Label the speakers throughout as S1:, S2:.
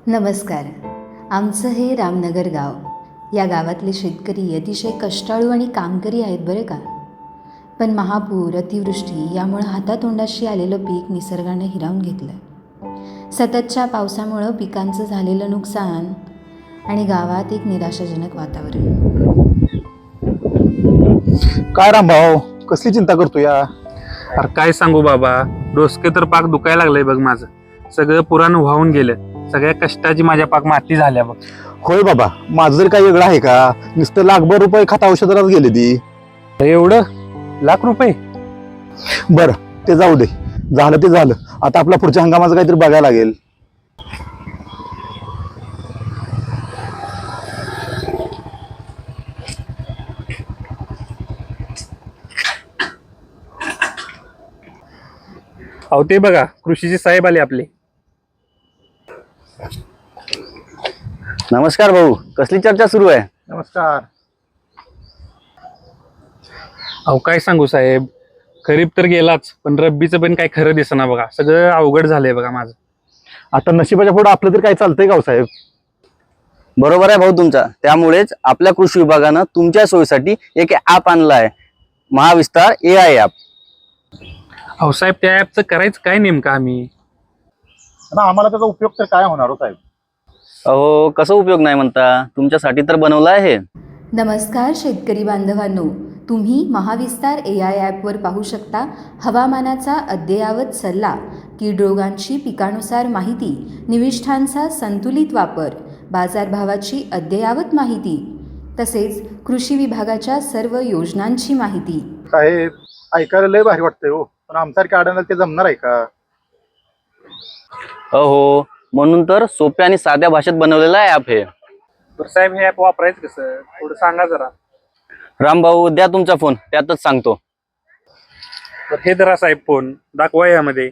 S1: नमस्कार. आमचं हे रामनगर गाव. या गावातले शेतकरी अतिशय कष्टाळू आणि कामकरी आहेत बरं का. पण महापूर, अतिवृष्टी यामुळं हातातोंडाशी आलेलं पीक निसर्गानं हिरावून घेतलं. सततच्या पावसामुळं पिकांचं झालेलं नुकसान आणि गावात एक निराशाजनक वातावरण.
S2: काय रामभाऊ, कसली चिंता करतो या?
S3: अरे काय सांगू बाबा, डोसके तर पाक दुखायला लागलंय बघ माझं. सगळं पुराण वाहून गेलं. सगळ्या कष्टाची माझ्या पाक माती झाल्या बघ.
S2: होय बाबा, माझं जर काही वेगळं आहे का? नुसतं लाखभर रुपये खत औषधालाच गेले ती.
S3: एवढं ₹1,00,000?
S2: बरं, ते जाऊ दे. झालं ते झालं. आता आपल्या पुढच्या हंगामाचं काहीतरी बघायला लागेल.
S3: अहो ते बघा, कृषीचे साहेब आले आपले.
S4: नमस्कार भाऊ, कसली चर्चा सुरू आहे?
S2: नमस्कार.
S3: अहो काय सांगू साहेब, खरीप तर गेलाच, पण रब्बीचं पण काय खरं दिसेना बघा. सगळं अवघड झालंय बघा माझं.
S2: आता नशिबाच्या पुढे आपलं तर काय चालतंय का हो साहेब?
S4: बरोबर आहे भाऊ तुमचा. त्यामुळेच आपल्या कृषी विभागानं तुमच्या सोयीसाठी एक ॲप आणलं आहे, महाविस्तार AI ॲप.
S3: अहो साहेब, त्या ॲपचं करायचं काय नेमकं आम्ही?
S2: आम्हाला त्याचा उपयोग तर काय होणार हो साहेब?
S4: अहो कसं उपयोग नाही म्हणता, तुमच्यासाठी तर बनवलं आहे.
S1: नमस्कार शेतकरी बांधवांनो. तुम्ही महाविस्तार AI ॲपवर पाहू शकता हवामानाचा अद्ययावत सल्ला, कीड रोगांची पिकानुसार माहिती, निविष्ठांचा संतुलित वापर, बाजारभावाची अद्ययावत माहिती, तसेच कृषी विभागाच्या सर्व योजनांची माहिती.
S2: साहेब, ऐकायला लय भारी वाटतंय हो, पण आमच्यासारख्या अडायला ते जमणार आहे का?
S4: अहो म्हणून तर सोप्या आणि साध्या भाषेत बनवलेलं आहे ॲप हे.
S3: तर साहेब, हे ॲप वापरायचं कसं, थोडं सांगा जरा.
S4: रामभाऊ द्या तुमचा फोन, त्यातच सांगतो.
S3: तर हे धरा साहेब फोन, दाखवा यामध्ये.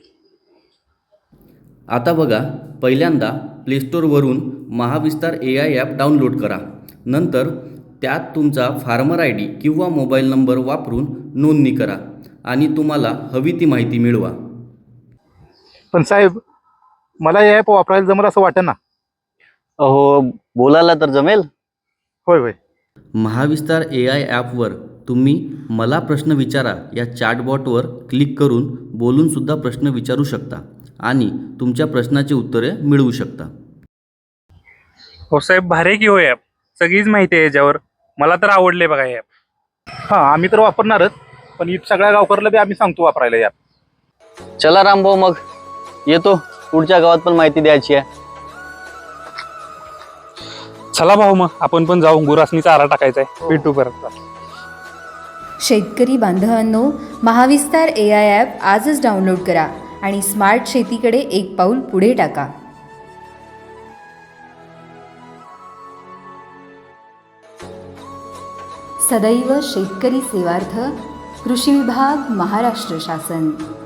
S5: आता बघा, पहिल्यांदा प्लेस्टोरवरून महाविस्तार AI ॲप डाउनलोड करा. नंतर त्यात तुमचा फार्मर ID किंवा मोबाईल नंबर वापरून नोंदणी करा आणि तुम्हाला हवी ती माहिती मिळवा.
S2: पण साहेब, मला हे ॲप वापरायला जमलं असं वाटतं ना.
S4: अहो बोलायला तर जमेल.
S2: होय होय.
S5: महाविस्तार AI ॲपवर तुम्ही मला प्रश्न विचारा या चॅटबॉटवर क्लिक करून बोलूनसुद्धा प्रश्न विचारू शकता आणि तुमच्या प्रश्नाची उत्तरे मिळवू शकता.
S3: हो साहेब, भारी की हो ॲप. सगळीच माहिती आहे याच्यावर. मला तर आवडले बघा हे ॲप.
S2: हा, आम्ही तर वापरणारच, पण इथं सगळ्या गावकऱ्याला बी आम्ही सांगतो वापरायला या.
S4: चला रामभाऊ मग येतो, पुढच्या गावात पण माहिती द्यायची आहे.
S3: चला भाऊ, मग आपण पण जाऊ. गुरासनी चारा टाकायचा आहे. भेटू परत.
S1: शेतकरी बांधवांनो, महाविस्तार AI ॲप आजच डाउनलोड करा आणि स्मार्ट शेतीकडे एक पाऊल पुढे टाका. सदैव शेतकरी सेवार्थ, कृषी विभाग, महाराष्ट्र शासन.